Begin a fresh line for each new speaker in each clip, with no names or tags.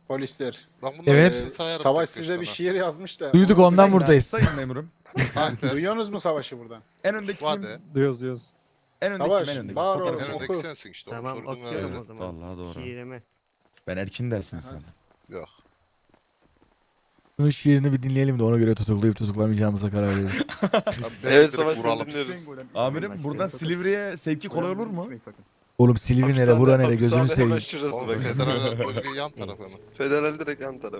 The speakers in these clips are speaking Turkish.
Polisler.
Ben bunların
Evet.
hepsini sayarım
Savaş
tek
size bir
başına.
şiir yazmış da.
Duyduk
Onu
ondan
sayın.
buradayız.
Sayın memurum.
Alper,
Duyuyorsunuz mu Savaş'ı buradan?
En öndeki kim?
Vade.
Duyuyoruz.
En öndeki
Savaş,
kim? En öndeki.
bağır
Fotoğraf
oğlum,
En
çek.
oku.
öndeki sensin işte. Onu
Tamam
sorduğun
okuyorum
öyle.
o zaman.
Vallahi doğru.
Şiirimi.
Ben erkin dersin
Aha.
sen.
Yok.
Bunun şiirini bir dinleyelim de ona göre tutuklayıp tutuklamayacağımıza karar verelim.
Evet Savaş seni
dinliyoruz.
Amirim buradan Silivri'ye sevki kolay olur mu?
Oğlum Silivri nere, bura nere, gözünü seveyim.
Şurası
Oğlum
bak.
federal bölge yan tarafı mı?
Federal direkt yan taraf.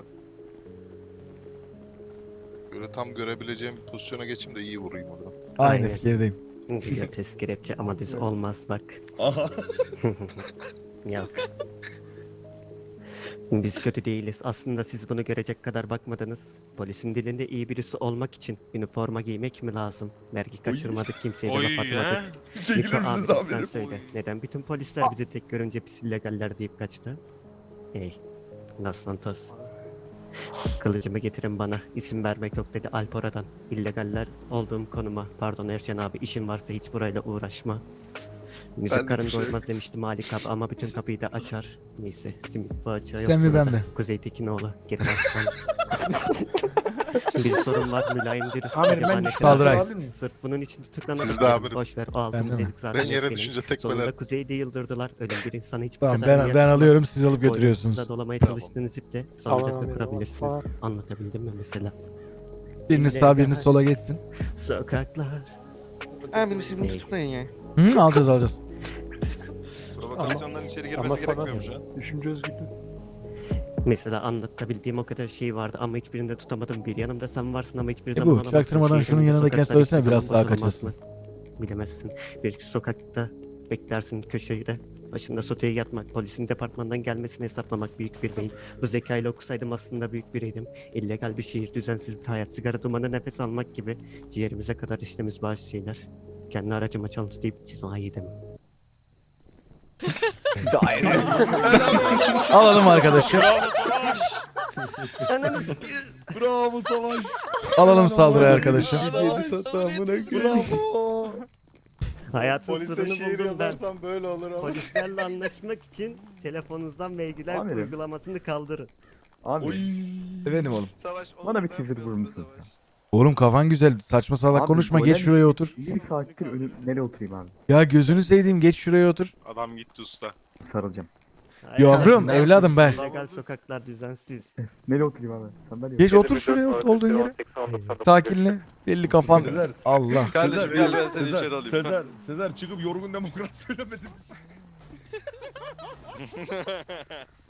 Böyle tam görebileceğim bir pozisyona geçeyim de iyi vurayım orada.
Aynı
Aynen.
fikirdeyim.
Video test kelepçe ama düz olmaz bak.
Aha.
Yok. Biz kötü değiliz. Aslında siz bunu görecek kadar bakmadınız. Polisin dilinde iyi birisi olmak için üniforma giymek mi lazım? Vergi kaçırmadık, kimseye de laf atmadık.
Çekilir
Niko
misiniz
abi sen
amirim?
söyle. Neden bütün polisler bizi tek görünce pis illegaller deyip kaçtı? Hey. Los Santos. Kılıcımı getirin bana. İsim vermek yok dedi Alpora'dan. İllegaller olduğum konuma. Pardon Erşen abi, işin varsa hiç burayla uğraşma. Müzik karın doymaz demişti Malik abi ama bütün kapıyı da açar. Neyse simit bu açığa yok
Sen mi, ben
burada.
mi?
Kuzey Tekinoğlu. Geri baştan. Bir sorun var, mülayim dürüst.
Amirim,
acaba
ben
ne
bir
kadar-
Saldıray.
Sırf bunun için tutuklanarak.
Siz de amirim.
Boş ver o
Ben
altını
de mi?
dedik zaten.
Ben yere
benim.
düşünce tekmeler.
Sonunda Kuzey'de yıldırdılar. Ölen bir insan hiç bu
Tamam
kadar
ben
yakışmaz.
alıyorum, siz alıp götürüyorsunuz.
Boynunuzda dolamaya
Tamam.
çalıştığınız iple
Tamam,
sancakla
amirim,
kurabilirsiniz.
tamam.
Anlatabildim mi mesela?
Biriniz sağ biriniz sola geçsin.
Sokaklar.
Amirim siz bunu
Ney?
tutuklayın ya.
Hı, alacağız alacağız.
Provokasyondan içeri girmesi gerekmiyor mu şu an? Düşünce özgürlüğü.
Mesela anlatabildiğim o kadar şey vardı ama hiçbirinde tutamadım. Bir yanımda sen varsın ama hiçbir
bu,
zaman alamazsın.
çaktırmadan şunun
Şehrimizde
yanındakine
sokaklar
söylesene,
hiçbir
biraz
zaman
daha
boş olamaz
kaçasın.
mı? Bilemezsin. Bir sokakta beklersin köşede. Başında soteye yatmak, polisin departmandan gelmesini hesaplamak büyük bir beyin. Bu zekayla okusaydım aslında büyük biriydim. İllegal bir şehir, düzensiz bir hayat, sigara dumanı nefes almak gibi ciğerimize kadar içtiğimiz bazı şeyler. Kendi aracıma çalıntı deyip ceza yedim.
Alalım arkadaşı.
Ananı
Bravo Savaş.
Alalım saldırı arkadaşı.
Bravo.
Hayatın
Polise
sırrını
şiir
buldum ben.
yazarsam böyle olur ama.
Polislerle anlaşmak için telefonunuzdan vergiler
Amirim.
uygulamasını kaldırın.
Abi
Efendim oğlum.
bana bir teaser vurur musun?
Oğlum kafan güzel. Saçma salak
Abi,
konuşma.
golem
Geç şuraya otur.
Bir saattir nereye oturayım abi?
Ya gözünü seveyim, geç şuraya otur.
Adam gitti usta.
Sarılacağım.
Yavrum, evladım ben.
Legal sokaklar düzensiz.
Nereye oturayım abi? Sandalye.
Geç otur şuraya, olduğun yere. Sakinle. Belli kafan.
Sezer.
Allah.
Sezer,
gel ben seni
Sezer,
içeri alayım.
Sezer çıkıp yorgun demokrat söylemedim.